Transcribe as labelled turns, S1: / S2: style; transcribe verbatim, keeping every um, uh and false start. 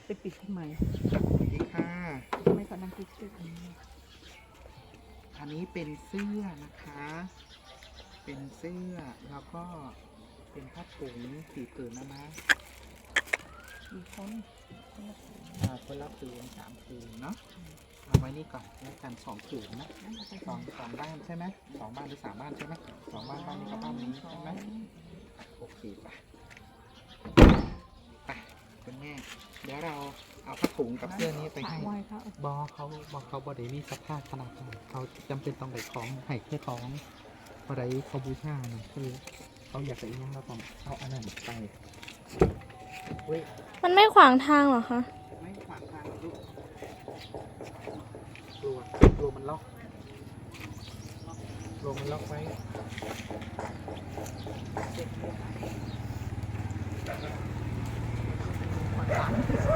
S1: ไปปิดทำไม
S2: สวัสดีค่ะ
S1: ทำไมเขานั่งคิดตึกนี้
S2: อันนี้เป็นเสื้อนะคะ เป็นเสื้อแล้วก็เป็นผ้าถุงสีผืนนะนะ
S1: มีคน
S2: อ่าคนละผืนสามผืนเนาะเอาไว้นี่ก่อนแล้วกันสองผืนนะ
S1: นั่นเราไป
S2: สองสองบ้านใช่ไหมสองบ้านหรือสามบ้านใช่ไหมสองบ้านบ้านนี้กับบ้านนี้ใช่ไหมโอเคไปไปคุณแม่เดี๋ยวเราเอาผ้าถุงกับเสื้อนี้ไปให้
S1: ไหว้เขา
S2: บอเขาบอกเขาบอได้มีสภาพขนาดนั้นเขาจำเป็นต้องได้ของให้แค่ของบอได้เขาบูชานะคือเขาอยากได้ยังเราต้องเอาอันนั้นไปเว้ย
S3: มันไม่ขวางทางเหรอคะ
S2: ไม่ขวางทางลูกกลัวกลัวมันล็อกกลัวมันล็อกไว้ขวางทาง